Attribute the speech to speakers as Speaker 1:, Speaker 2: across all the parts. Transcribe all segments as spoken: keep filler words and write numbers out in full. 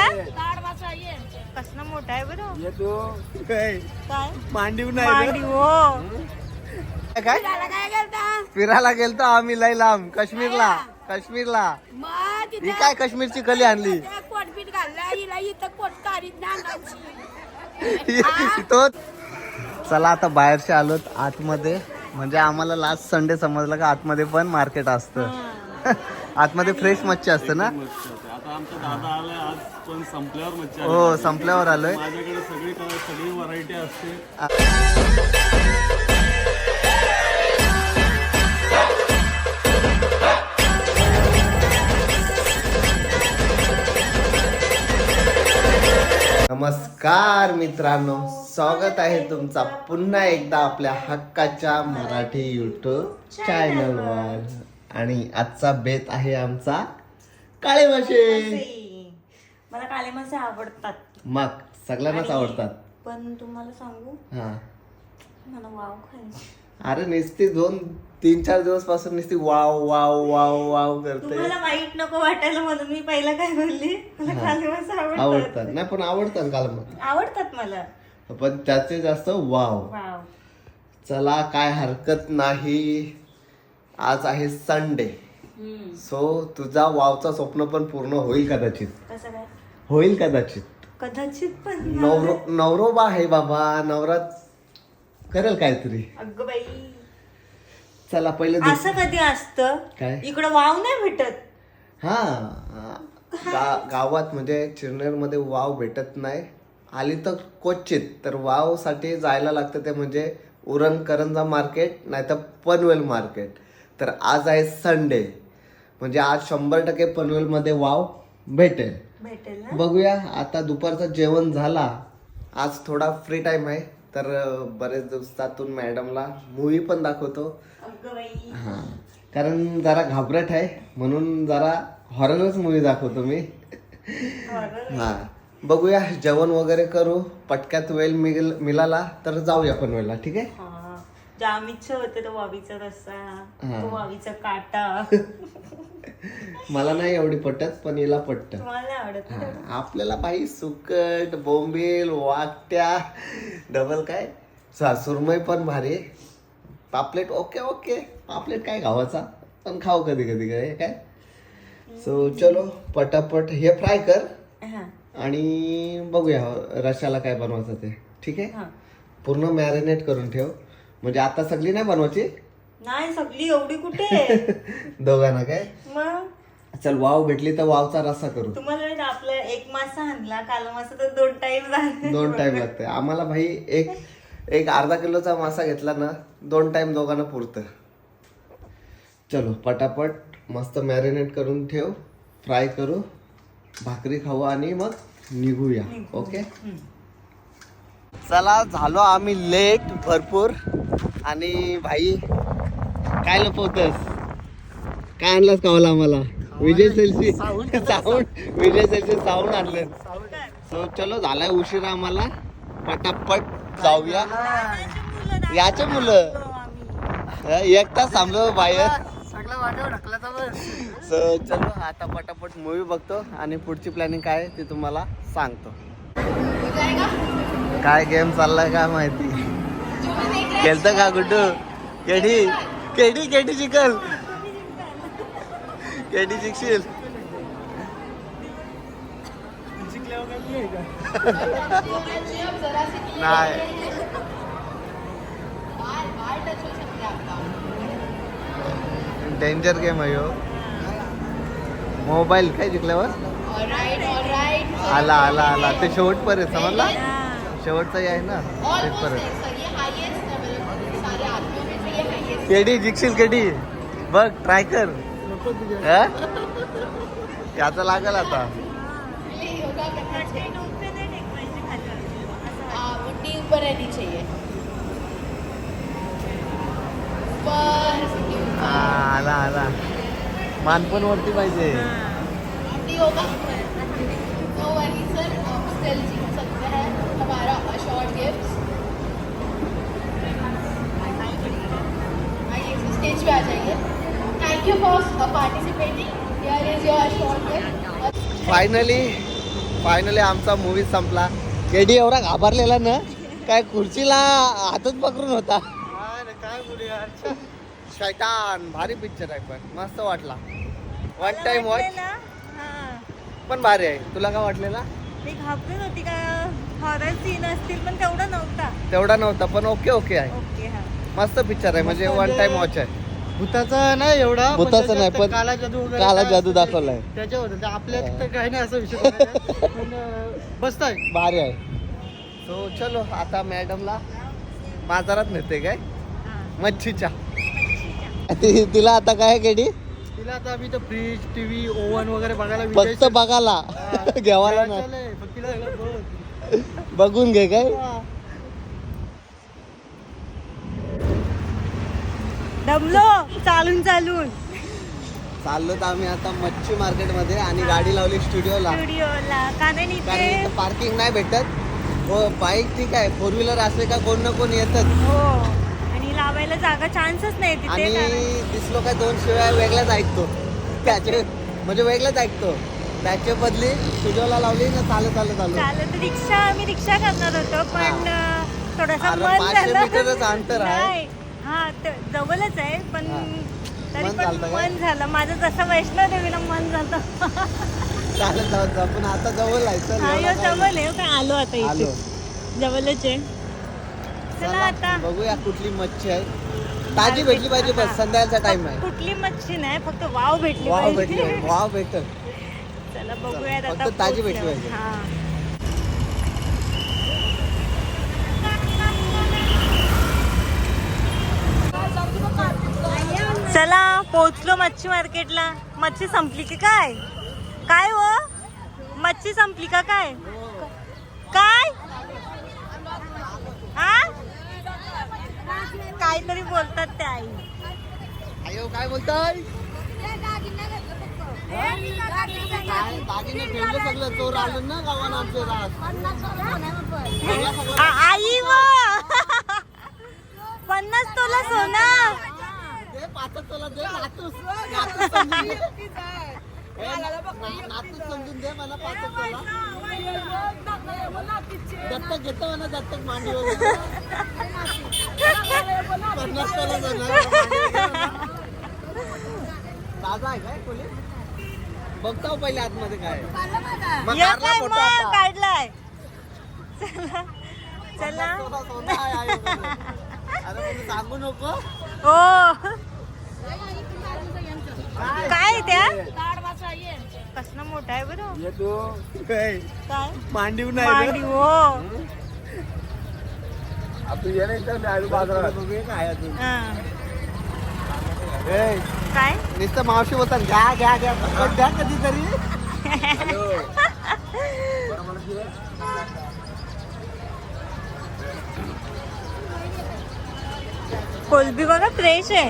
Speaker 1: कसला मोठा आहे बरं.
Speaker 2: येतो काय
Speaker 1: काय
Speaker 2: मांडीव
Speaker 1: मांडी
Speaker 2: नाही
Speaker 1: हो.
Speaker 2: काय फिरायला गेलतो आम्ही लय लांब काश्मीरला. काश्मीरला ही काय काश्मीरची कली आणली तो. चला आता बाहेरचे आलोत आतमध्ये. म्हणजे आम्हाला लास्ट संडे समजलं का आतमध्ये पण मार्केट असतं. आतमध्ये फ्रेश मच्छी असते ना.
Speaker 3: आता आमचा दादा आलाय आज पण संपल्यावर मच्छी आली.
Speaker 2: हो संपल्यावर आलोय.
Speaker 3: माझ्याकडे सगळी सगळी व्हरायटी असते.
Speaker 2: नमस्कार मित्रांनो, स्वागत आहे तुमचा पुन्हा एकदा आपल्या हक्काच्या मराठी युट्यूब चॅनलवर. आणि आजचा बेत आहे आमचा काळे मासे.
Speaker 1: मला काळे मासे आवडतात.
Speaker 2: मग सगळ्यांनाच आवडतात.
Speaker 1: पण तुम्हाला सांगू
Speaker 2: हा
Speaker 1: मला वाव खायची.
Speaker 2: अरे नुसती दोन तीन चार दिवस पासून नुसती वाव वाव वाव वाव करते.
Speaker 1: तुम्हाला वाईट नको वाटायला म्हणून मी पहिला काय बोलली. मला काळे मासे आवडतात.
Speaker 2: आवडतात नाही पण आवडतात काल मग
Speaker 1: आवडतात मला.
Speaker 2: पण त्याचे जास्त वाव.
Speaker 1: वाव
Speaker 2: चला काय हरकत नाही. आज आहे संडे. सो तुझा वावचा स्वप्न पण पूर्ण होईल कदाचित.
Speaker 1: कसं काय
Speaker 2: होईल कदाचित.
Speaker 1: कदाचित पण
Speaker 2: नवरो नवरोबा आहे बाबा. नवरात करेल काहीतरी.
Speaker 1: अगं बाई
Speaker 2: चला पहिले दु-
Speaker 1: असं कधी असतं
Speaker 2: काय?
Speaker 1: इकडं वाव नाही भेटत.
Speaker 2: हा गा- गावात म्हणजे चिरनेर मध्ये वाव भेटत नाही. आली तर क्वचित. तर वाव साठी जायला लागतं ते म्हणजे उरण करंजा मार्केट नाही तर पनवेल मार्केट. तर आज आहे संडे म्हणजे आज शंभर टक्के पनवेल मध्ये वाव भेटेल.
Speaker 1: भेटेल ना.
Speaker 2: बघूया. आता दुपारचं जेवण झाला. आज थोडा फ्री टाइम आहे तर बरेच दिवसातून मॅडमला मूवी पण दाखवतो.
Speaker 1: अगं बाई
Speaker 2: हा कारण जरा घाबरट आहे म्हणून जरा हॉररच मूवी दाखवतो मी. हा बघूया. जेवण वगैरे करू. पटक्यात वेळ मिळ मिळाला तर जाऊया पनवेलला. ठीक आहे.
Speaker 1: हा जाम इच्छा होते तो वावीचा रस्सा.
Speaker 2: हा.
Speaker 1: तो वावीचा काटा.
Speaker 2: मला नाही एवढी पटत पण हिला पटत.
Speaker 1: तुम्हाला आवडत
Speaker 2: हा, आपल्याला बाई सुकट बोंबील वाकट्या डबल काय सा- सुरमई पण भारी. पापलेट ओके ओके. पापलेट काय गावाचा पण खाऊ कधी कधी काय काय. सो चलो पटापट हे फ्राय कर
Speaker 1: हा.
Speaker 2: आणि बघूया रशाला काय बनवायचं ते. ठीक आहे.
Speaker 1: हा.
Speaker 2: पूर्ण मॅरिनेट करून ठेव म्हणजे आता सगळी नाही बनवायची.
Speaker 1: नाही सगळी एवढी कुठे.
Speaker 2: दोघांना काय.
Speaker 1: मग
Speaker 2: चल वाव भेटली तर वावचा रस्सा करू.
Speaker 1: तुम्हाला माहिती आपला एक मासा आणला काल मासा तर दोन टाइम झाले.
Speaker 2: दोन टाइम लागते आम्हाला भाई. एक एक अर्धा किलोचा मासा घेतला ना दोन टाइम दोघांना पुरतं. चलो पटापट मस्त मॅरिनेट करून ठेव. फ्राय करू भाकरी खाऊ आणि मग निघूया. ओके चला झालो आम्ही लेट भरपूर. आणि भाई काय लपवतस. काय आणलास कावला आम्हाला. विजय सेल्सी साऊंड विजय सेल्सी साऊंड आणले. सो चलो झालाय उशीर आम्हाला. पटापट जाऊया. याचे मुलं एक तास थांबलो बाहेर. सो चलो आता पटापट मूवी बघतो आणि पुढची प्लॅनिंग काय आहे ती तुम्हाला सांगतो. काय गेम चाललाय काय माहिती. खेळतं का गुड्डू. केडी केडी केडी चिकल केडी जिंकशील. नाही डेंजर गेम आहे हो. मोबाईल काय जिंकल्यावर आला आला आला ते शेवट पर्यंत समजला. शेवटचाही आहे ना शेवटपर्यंत. केडी जिंकशील केडी. बघ ट्राय कर. याचा लागल आता. आला आला मान पण वरती पाहिजे.
Speaker 4: स्टेज पे आ जाइए. Thank you for participating. Here is your short gift.
Speaker 2: Finally finally आमचा मूवी संपला. केडी एवढा घाबरलेला ना काय खुर्चीला हातच पकडून होता. काय बोलू यार, शैतान भारी पिक्चर आहे पण मस्त वाटला. वन टाइम वॉच
Speaker 1: हा
Speaker 2: पण भारी आहे. तुला काय वाटलेला?
Speaker 1: मी घाबरून होती का हॉरर सीन असतील पण तेवढा नव्हता.
Speaker 2: तेवढा नव्हता पण ओके ओके आहे.
Speaker 1: ओके हा
Speaker 2: मस्त पिक्चर आहे म्हणजे वन टाइम वॉच आहे.
Speaker 5: भूताचा नाही एवढा, पण
Speaker 2: भूताचा
Speaker 5: त्याच्यात
Speaker 2: नाही, पण
Speaker 5: काला जादू वगैरे
Speaker 2: काला
Speaker 5: काय
Speaker 2: जादू
Speaker 5: असतं ते
Speaker 2: दाखवलाय.
Speaker 5: त्याच्यावर ते आपल्यात तर काही नाही असं विषय नाही. पण मस्त आहे.
Speaker 2: भारी आहे. सो चलो आता मॅडमला बाजारात नेते काय मच्छीच्या. ति- तिला आता काय केडी
Speaker 5: तिला आता आम्ही तर फ्रीज टीव्ही ओव्हन वगैरे बघायला विजय
Speaker 2: फक्त बघायला घ्यावाला ना
Speaker 5: चाललंय. फक्त तिला सगळं बघ.
Speaker 2: बघून घे काय.
Speaker 1: दमलो चालून चालून
Speaker 2: चाललो तर आम्ही आता मच्छी मार्केट मध्ये आणि गाडी लावली स्टुडिओला.
Speaker 1: स्टुडिओला कारण
Speaker 2: कारण
Speaker 1: इथे
Speaker 2: इथं पार्किंग नाही भेटत. हो बाईक ठीक आहे, फोर व्हीलर असले का कोण ना कोण येतात.
Speaker 1: हो आणि लावायला जागा चान्सच नाही तिथे
Speaker 2: आणि
Speaker 1: कारण-
Speaker 2: दिसलो काय दोन शिवाय वेगळ्याच ऐकतो त्याचे म्हणजे वेगळंच ऐकतो. त्याच्या बदली स्टुडिओला लावली ना चालत चालत चालू.
Speaker 1: चालत रिक्षा आम्ही रिक्षा करणार होतो पण थोडासा
Speaker 2: अरे,
Speaker 1: मन
Speaker 2: पाचशे
Speaker 1: झालं.
Speaker 2: मीटरच अंतर आहे.
Speaker 1: नाही. हा ते जवळच आहे पण
Speaker 2: हा.
Speaker 1: तरी
Speaker 2: मन
Speaker 1: पण
Speaker 2: झालं काय?
Speaker 1: मन झालं माझं जसं वैष्णव देवीला मन झालं.
Speaker 2: चालत जात जा पण आता जवळ आहे. चल,
Speaker 1: हा
Speaker 2: एवढा
Speaker 1: यो
Speaker 2: काय
Speaker 1: जवळ आहे काय आलो आता
Speaker 2: नाही. आलो.
Speaker 1: इथे जवळच आहे. चला
Speaker 2: चला,
Speaker 1: आता
Speaker 2: बघूया कुठली मच्छी आहे. ताजी भेटली पाहिजे बस. संध्याकाळचा टाइम आहे.
Speaker 1: कुठली मच्छी नाही फक्त वाव भेटली
Speaker 2: वाव भेटली
Speaker 1: पाहिजे.
Speaker 2: वाव भेटत.
Speaker 1: चला बघूयात
Speaker 2: फक्त
Speaker 1: आता
Speaker 2: ताजी
Speaker 1: पोहोचल्यावर.
Speaker 2: भेटली पाहिजे.
Speaker 1: हा चला पोहोचलो मच्छी मार्केटला. मच्छी संपली की काय काय हो मच्छी संपली का काय काय हा काहीतरी बोलतात ते आई.
Speaker 2: अयो काय बोलताय? काय दागिने ठेवले सगळं चोर आलं ना गावाला आमचे रात.
Speaker 1: आ- आई व पन्नास तोला सोना.
Speaker 2: दे पाचच तुला दे नातूस नातूस समजून दे. ए, ना- नातूस समजून दे मला पाचच तुला. दत्तक घेतो म्हणा दत्तक मांडी वगैरे. पन्नास तुला जाणार. ताजा आहे काय कोणी? बघताव पहिले आतमध्ये काय आहे. मग
Speaker 1: या
Speaker 2: काढला
Speaker 1: काय
Speaker 2: फोटो
Speaker 1: मग
Speaker 2: आता.
Speaker 1: काढलाय. चला चला
Speaker 2: सोना, सोना आहे, आहे वगैरे. अरे पण सांगू नको.
Speaker 1: हो काय त्या कसला मोठा आहे बरं
Speaker 2: येतो काय
Speaker 1: काय
Speaker 2: मांडीव
Speaker 1: मांडी
Speaker 2: नाही
Speaker 1: हो
Speaker 2: आपण ये नाही तर आलू बाजारात बघूया काय अजून.
Speaker 1: हा.
Speaker 2: ए,
Speaker 1: काय
Speaker 2: नुसतं मावशी बोलतात घ्या घ्या घ्या फक्त द्या कधीतरी.
Speaker 1: कोलबी बघा फ्रेश आहे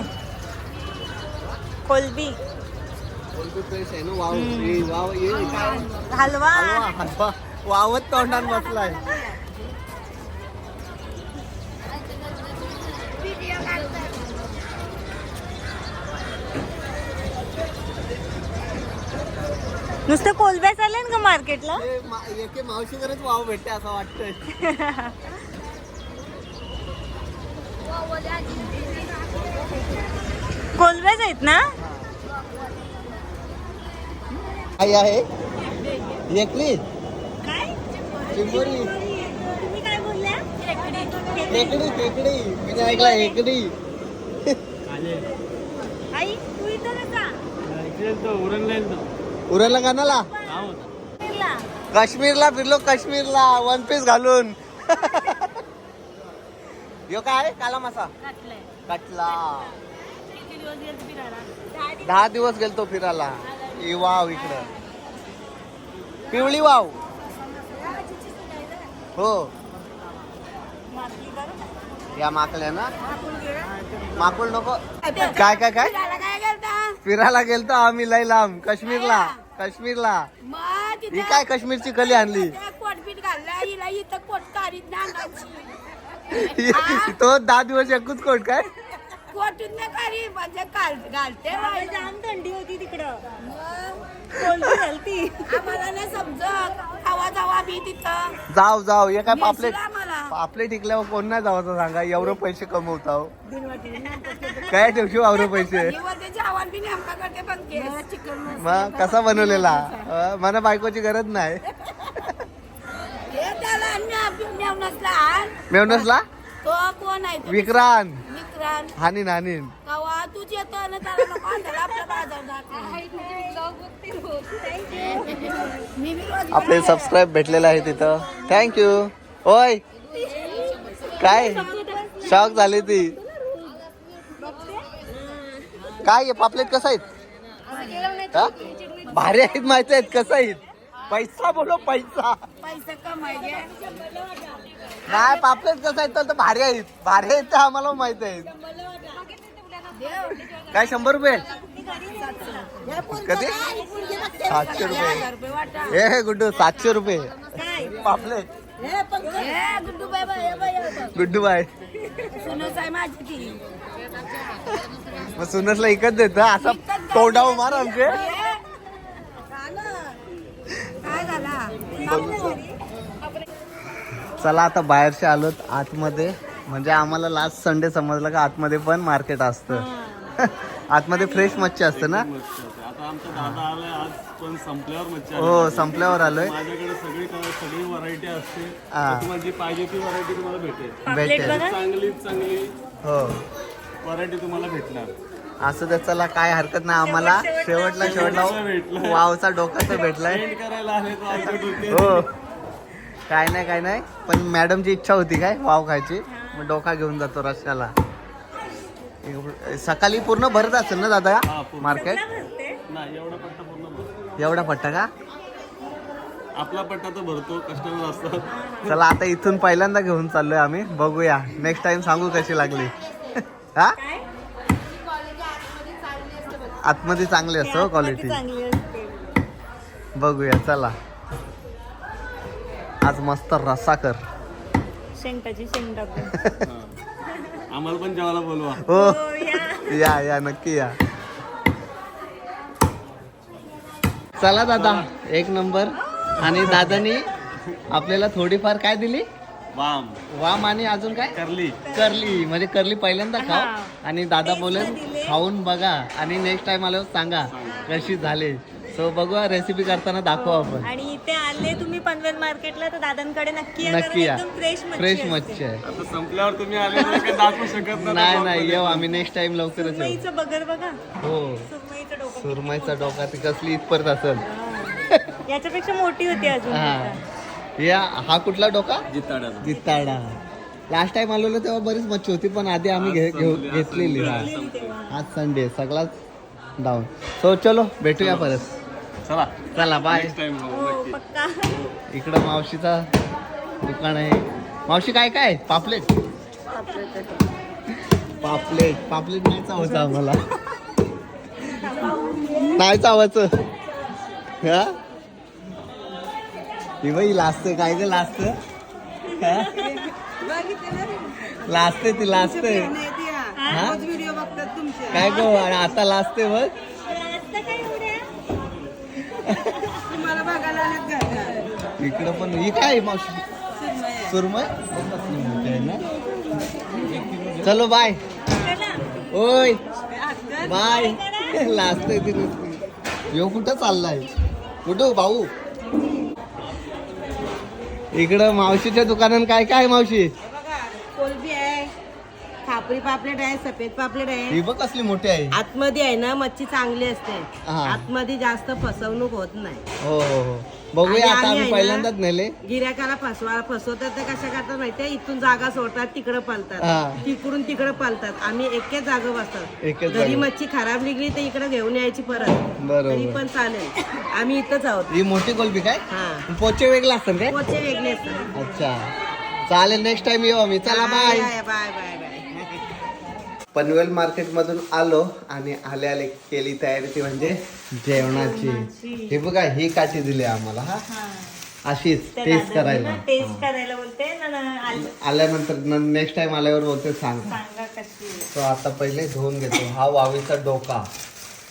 Speaker 1: कोलबी
Speaker 2: कोलबी फ्रेश आहे ना. वाव ए, वाव ये काय
Speaker 1: हलवा
Speaker 2: हलवा, हलवा. वावत तोंडात बसलाय.
Speaker 1: नुसतं कोलब्या चालेल का मार्केटला.
Speaker 2: ए, मा- एके मावशीकडेच वाव भेटते असं वाटतंय.
Speaker 1: कोलब्याच आहेत ना.
Speaker 2: काय आहे एकली
Speaker 1: काय
Speaker 2: चिंबोरी
Speaker 1: तुम्ही काय बोलल्या
Speaker 2: खेकडी खेकडी मी ऐकला खेकडी.
Speaker 1: आई तू इथं कसा
Speaker 2: उरला कानाला
Speaker 1: फिरला?
Speaker 2: काश्मीरला फिरलो काश्मीरला वन पीस घालून. यो काय काला मासा
Speaker 1: घातलंय.
Speaker 2: कटला.
Speaker 1: किती दिवस गेलते फिरायला?
Speaker 2: दहा दिवस गेलतो फिरायला. ही वाव इकडं पिवळी वाव. हो
Speaker 1: मासली करू?
Speaker 2: या माकल्या ना
Speaker 1: आपण गेलं?
Speaker 2: माकुल नको. काय काय काय फिरायला गेलतो आम्ही लय लांब काश्मीरला काश्मीरला. ही काय काश्मीरची कली आणली. तो दहा दिवस एकूच कोट काय
Speaker 1: बाबा, जाम थंडी होती तिकडं कोलबी घालती.
Speaker 6: आम्हाला नाही समजत आवाज
Speaker 4: आम्ही तिथं
Speaker 2: जाऊ जाऊ हे काय पापलेट
Speaker 4: येशील आम्हाला.
Speaker 2: पापलेट टिकल्यावर कोण नाही जावाचं सांगा एवढं पैसे कमवताव काय ठेवशी एवढं पैसे
Speaker 4: निवडण्याचे आव्हान बी नेमका करते पण चिकन
Speaker 2: मग कसा बनवलेला अं, मला बायकोची गरज नाही
Speaker 4: हे त्याला अन्य मेवणसला आण.
Speaker 2: मेवनसला
Speaker 4: तो कोण आहे तो?
Speaker 2: विक्रांत
Speaker 4: विक्रांत
Speaker 2: हानीन हानीन
Speaker 4: कवा तूच येतो आणि त्याला नको आणलेला आपल्या बाजार जात. मी बी रोज
Speaker 2: आपले सबस्क्राईब भेटलेलं आहे तिथं थँक्यू ओय काय शॉक झाली ती काय आहे पापलेट कसं आहेत हा? भारी आहेत माहिती आहेत कसं आहेत पैसा बोलो पैसा
Speaker 4: पैसे कमायचे.
Speaker 2: नाही पापलेट कसं आहेत तर भारी आहेत भारी आहेत ते आम्हाला माहित आहेत काय शंभर रुपये कधी सातशे रुपये
Speaker 4: हजार रुपये वाटा.
Speaker 2: हे हे गुड्डू सातशे रुपये पापलेट
Speaker 4: हे गुड्डू बाय बाय हे बाय, हे बघ.
Speaker 2: गुड्डू बाय
Speaker 4: सुनस आहे माझी ती.
Speaker 2: मग सुनसला इकत देत असा तोंडावर मार आमचे
Speaker 4: हे, काय झाला
Speaker 2: चला आता बाहेरचे आलोत आतमध्ये म्हणजे आम्हाला लास्ट संडे समजलं का आतमध्ये पण मार्केट असतं आतमध्ये फ्रेश मच्छी असते ना
Speaker 3: मच्छी असते. आता आमचा दादा आलाय आज पण संपल्यावर मच्छी आली.
Speaker 2: हो संपल्यावर आलोय
Speaker 3: माझ्याकडे सगळी सगळी व्हरायटी असते
Speaker 2: हा.
Speaker 3: तुम्हाला जी पाहिजे ती व्हरायटी तुम्हाला भेटेल
Speaker 1: पापलेट
Speaker 2: भेटेल
Speaker 1: बघा
Speaker 3: चांगली चांगली
Speaker 2: हो
Speaker 3: व्हरायटी तुम्हाला भेटणार.
Speaker 2: असं तर चला काय हरकत नाही आम्हाला शेवटला शेवटला
Speaker 3: भेटलं.
Speaker 2: वावचा डोकाचा भेटलाय
Speaker 3: पेंट करायला आले तो आमच्या डोक्यात.
Speaker 2: हो काय नाही काय नाही पण मॅडमची इच्छा होती काय वाव खायची मग डोका घेऊन जातो रस्त्याला सकाळी पूर्ण भरत असेल ना दादा
Speaker 3: हा, पूर्ण.
Speaker 2: मार्केट
Speaker 3: नाही एवढा पट्टा पूर्ण भरतो.
Speaker 2: एवढा पट्टा का
Speaker 3: आपला पट्टा तर भरतो कस्टमर असतात.
Speaker 2: चला आता इथून पहिल्यांदा घेऊन चाललोय आम्ही बघूया नेक्स्ट टाइम सांगू कशी लागली हा आतमध्ये चांगली असतो क्वालिटी
Speaker 1: चांगली असते
Speaker 2: बघूया चला आज मस्त रस्सा कर
Speaker 1: शेंगटाची शेंग टाकून
Speaker 3: हा. आम्हाला पण जेवायला बोलवा.
Speaker 2: हो
Speaker 1: हो, या.
Speaker 2: या या नक्की या चला दादा एक नंबर आणि दादानी आपल्याला थोडीफार काय दिली
Speaker 3: वाम
Speaker 2: वाम आणि अजून काय
Speaker 3: करली
Speaker 2: करली म्हणजे करली पहिल्यांदा
Speaker 1: हा.
Speaker 2: खाव आणि दादा बोले
Speaker 1: दिले.
Speaker 2: खाऊन बघा आणि नेक्स्ट टाइम आल्यावर सांगा कशी झाली सो बघूया रेसिपी करताना दाखवू आपण
Speaker 1: आणि इथे आले तुम्ही पनवेल मार्केटला तर दादांकडे नक्की या,
Speaker 2: नक्की
Speaker 1: कारण
Speaker 2: या
Speaker 1: एकदम फ्रेश
Speaker 2: फ्रेश
Speaker 1: मच्छी
Speaker 2: मच्छी आहे
Speaker 3: आता संपल्यावर तुम्ही आले तर काही दाखवू शकत
Speaker 2: नाही नाही येऊ आम्ही नेक्स्ट टाइम लवकरच येऊ
Speaker 1: सुरमईचं बगर बघा
Speaker 2: हो
Speaker 1: सुरमईचं डोकं
Speaker 2: सुरमईचा डोका ती कसली इथपर्यंत असेल
Speaker 1: याच्यापेक्षा मोठी होती अजून
Speaker 2: हा या हा कुठला डोका
Speaker 3: जिताड्याला.
Speaker 2: जिताडा लास्ट टाइम आलेलो तेव्हा बरीच मच्छी होती पण आधी आम्ही घे- घेऊ- घेतलेली हा. आज संडे सगळाच डाऊन सो चलो भेटूया परत
Speaker 3: चला
Speaker 2: चला बाय
Speaker 3: नेक्स्ट टाइम
Speaker 1: हो पक्का
Speaker 2: इकडं मावशीचा दुकान आहे मावशी काय काय पापलेट पापलेट पापलेट नाही चावायचं आम्हाला नाही चावायचं हा ही बाई लाजते काय ग लाजते लाजते ती लाजते हा
Speaker 5: व्हिडिओ बघतात तुमचे
Speaker 2: काय गो आणि आता लाजते बघ
Speaker 1: रास्ता काय एवढ्या
Speaker 5: तुम्हाला बघायला आलेत घालणार
Speaker 2: इकडं पण ही काय मावशी सुरमय आहे ना चलो बाय
Speaker 1: चला
Speaker 2: ओय बाय लाजते ती नुसती यो कुठं चाललाय कुठं भाऊ इकडं मावशीच्या दुकानात काय काय मावशी
Speaker 5: कोलबी आहे खापरी पापलेट आहे सफेद पापलेट आहे
Speaker 2: ही बघ कसली मोठी आहे
Speaker 5: आतमध्ये आहे ना मच्छी चांगली असते
Speaker 2: हा.
Speaker 5: आतमध्ये जास्त फसवणूक होत नाही
Speaker 2: हो हो हो बघूया
Speaker 5: आणि
Speaker 2: आता
Speaker 5: आम्ही
Speaker 2: आम्ही
Speaker 5: आहे ना-
Speaker 2: पहिल्यांदाच नेले
Speaker 5: गिऱ्हाईकाला फसवा फसवतात ते कशा करतात माहितीये इथून जागा सोडतात तिकडं
Speaker 2: हा.
Speaker 5: पलतात तिकडून तिकडं पलतात आम्ही एकेच जागा बसतात
Speaker 2: एकेच
Speaker 5: घरी
Speaker 2: जागेवर.
Speaker 5: मच्छी खराब निघली तर इकडे घेऊन यायची परत तरी
Speaker 2: बरोबर
Speaker 5: पण चालेल आम्ही इथंच आहोत
Speaker 2: ही मोठी कोलबी काय
Speaker 5: हा
Speaker 2: पोचे वेगळे असतात काय
Speaker 5: पोचे वेगळे असतात
Speaker 2: अच्छा चालेल नेक्स्ट टाइम येऊ आम्ही चला bye
Speaker 5: bye bye bye bye
Speaker 2: Panvel market मधून आलो आणि आले आले केली तयारी ती म्हणजे जेवणाची हे बघा ही काठी दिली आम्हाला हा अशीच टेस्ट करायला
Speaker 1: टेस्ट करायला बोलते ना ना आल-
Speaker 2: आल्यानंतर नेक्स्ट टाइम आल्यावर बोलते सांग
Speaker 1: सांगा कशी आहे.
Speaker 2: तो आता पहिले धुवून घेतो हा वावीचा डोका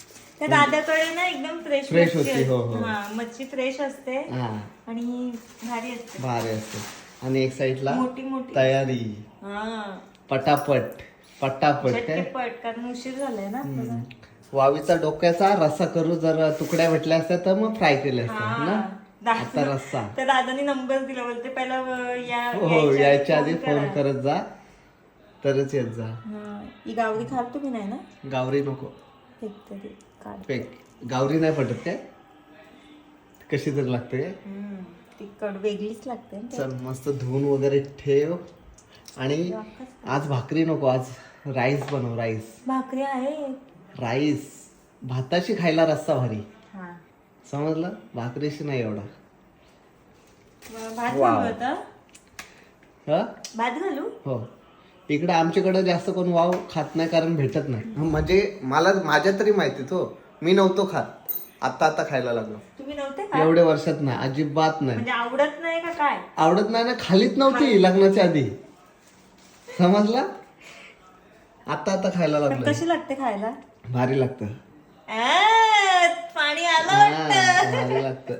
Speaker 1: त्या दादाकडे ना एकदम फ्रेश
Speaker 2: Fresh
Speaker 1: मच्छी
Speaker 2: होती, हो, हो.
Speaker 1: असते. हा मच्छी फ्रेश असते
Speaker 2: हा
Speaker 1: आणि भारी असते.
Speaker 2: भारी असते. आणि एक साईडला
Speaker 1: मोठी मोठी
Speaker 2: तयारी
Speaker 1: हा
Speaker 2: पटापट पटापट काय
Speaker 1: झटपट कारण उशीर झालाय ना आपल्याला.
Speaker 2: वावीचा डोक्याचा रस्सा करू जर तुकड्या भेटल्या असत्या तर मग फ्राय केले असते ना
Speaker 1: दा-
Speaker 2: आता रस्सा
Speaker 1: तर दादानी नंबर दिला बोलते पहिला अं, या
Speaker 2: हो यायच्या आधी
Speaker 1: phone
Speaker 2: फोन
Speaker 1: करा.
Speaker 2: करत जा तरच येत जा.
Speaker 1: हा. ही गावरी खाल तुम्ही नाही ना
Speaker 2: गावरी नको
Speaker 1: फेकते ती काढ.
Speaker 2: पेक गावरी नाही पटत काय कशी तरी लागते काय
Speaker 1: हम्म. ती कड वेगळीच लागते ना.
Speaker 2: चल मस्त धुवून वगैरे ठेव आणि आज भाकरी नको आज राईस बनव राईस
Speaker 1: भाकरी आहे
Speaker 2: राईस भाताशी खायला रस्सा भारी
Speaker 1: हा
Speaker 2: समजलं भाकरीशी नाही एवढा
Speaker 1: मग भात
Speaker 2: वाव.
Speaker 1: घालू आता
Speaker 2: हा
Speaker 1: भात घालू
Speaker 2: हो इकडे आमच्याकडे जास्त कोण वाव खात नाही कारण भेटत नाही म्हणजे मला माझ्या तरी माहितीत हो मी नव्हतो खात आता आता खायला लागलो
Speaker 1: तुम्ही नव्हते का
Speaker 2: एवढ्या वर्षात नाही अजिबात नाही
Speaker 1: म्हणजे आवडत नाही का काय
Speaker 2: आवडत नाही ना खालीच नव्हती लग्नाच्या आधी समजला आता आता खायला
Speaker 1: पण
Speaker 2: लागलं
Speaker 1: कशी लागते खायला
Speaker 2: भारी लागतं
Speaker 1: आ, पाणी आलं
Speaker 2: हा,
Speaker 1: वाटतं
Speaker 2: भारी लागतं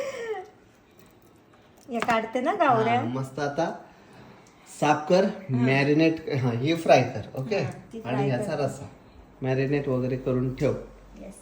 Speaker 1: या काढते ना गावऱ्या
Speaker 2: हा, मस्त आता साफ कर मॅरिनेट हा ही फ्राय कर ओके
Speaker 1: हा, ती fry
Speaker 2: आणि ह्याचा
Speaker 1: करते.
Speaker 2: रस्सा मॅरिनेट वगैरे करून ठेव
Speaker 1: Yes.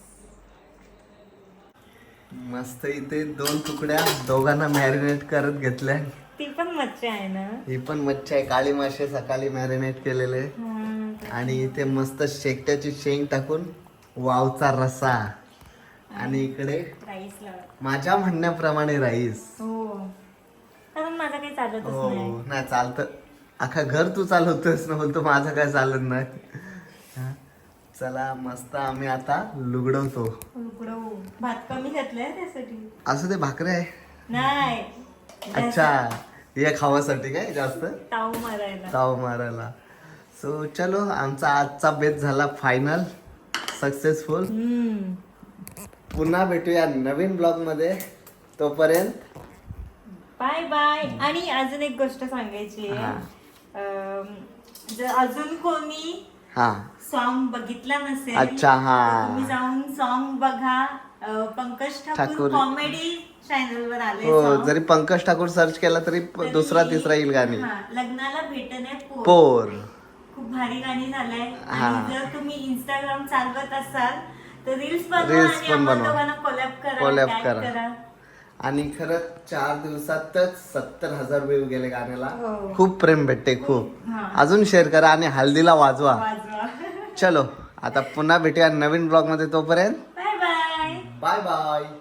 Speaker 2: मस्त इथे दोन तुकड्या दोघांना मॅरिनेट करत घेतल्या
Speaker 1: ती पण मच्छी आहे ना
Speaker 2: ही पण मच्छी आहे काळी मासे सकाळी मॅरिनेट केलेले
Speaker 1: हा.
Speaker 2: आणि इथे मस्त शेकट्याची शेंग टाकून वावचा रस्सा आणि इकडे
Speaker 1: राईस लावा
Speaker 2: माझ्या म्हणण्याप्रमाणे राईस
Speaker 1: हो कारण माझं काही चालतच
Speaker 2: हो
Speaker 1: नाही
Speaker 2: नाही चालतं अख्खा घर तू चालवतोस ना बोलतो माझं काय चालत नाही हा. चला मस्त आम्ही आता लुगडवतो
Speaker 1: उकडवू भात कमी घातलाय त्यासाठी
Speaker 2: असं ते भाकरे आहे
Speaker 1: नाही
Speaker 2: अच्छा हे खावासाठी काय जास्त
Speaker 1: ताव मारायला
Speaker 2: ताव मारायला सो चलो आमचा आजचा बेत झाला फायनल सक्सेसफुल
Speaker 1: हम्म
Speaker 2: पुन्हा भेटूया नवीन ब्लॉग मध्ये तोपर्यंत
Speaker 1: बाय बाय आणि अजून एक गोष्ट सांगायची आहे.
Speaker 2: हा.
Speaker 1: अं, जर अजून कोणी
Speaker 2: हा
Speaker 1: सॉन्ग बघितला नसेल
Speaker 2: अच्छा, हा.
Speaker 1: तर तुम्ही जाऊन सॉन्ग बघा अं, पंकज ठाकूर
Speaker 2: ठाकूर.
Speaker 1: कॉमेडी चॅनल वर आले
Speaker 2: हो
Speaker 1: song.
Speaker 2: जरी पंकज ठाकूर सर्च केला तरी प-
Speaker 1: तरी-
Speaker 2: दुसरा तिसरा येईल गाणी
Speaker 1: हा, लग्नाला भेटणे पोर
Speaker 2: पोर
Speaker 1: खूप भारी गाणी झालंय
Speaker 2: हा.
Speaker 1: आणि जर तुम्ही इंस्टाग्राम चालवत असाल तर रील्स बनवा
Speaker 2: Reels
Speaker 1: आणि
Speaker 2: पण
Speaker 1: आम्हाला
Speaker 2: बनवा.
Speaker 1: दोघांना कोलॅब करा
Speaker 2: Collab
Speaker 1: tag
Speaker 2: करा.
Speaker 1: करा
Speaker 2: आणि खरंच चार दिवसातच सत्तर हजार व्ह्यू गेले गाण्याला
Speaker 1: हो.
Speaker 2: खूप प्रेम भेटते खूप
Speaker 1: हा.
Speaker 2: अजून शेअर करा आणि हल्दीला वाजवा
Speaker 1: वाजवा
Speaker 2: चलो आता पुन्हा भेटूया नवीन ब्लॉग मध्ये तोपर्यंत
Speaker 1: बाय बाय
Speaker 2: बाय बाय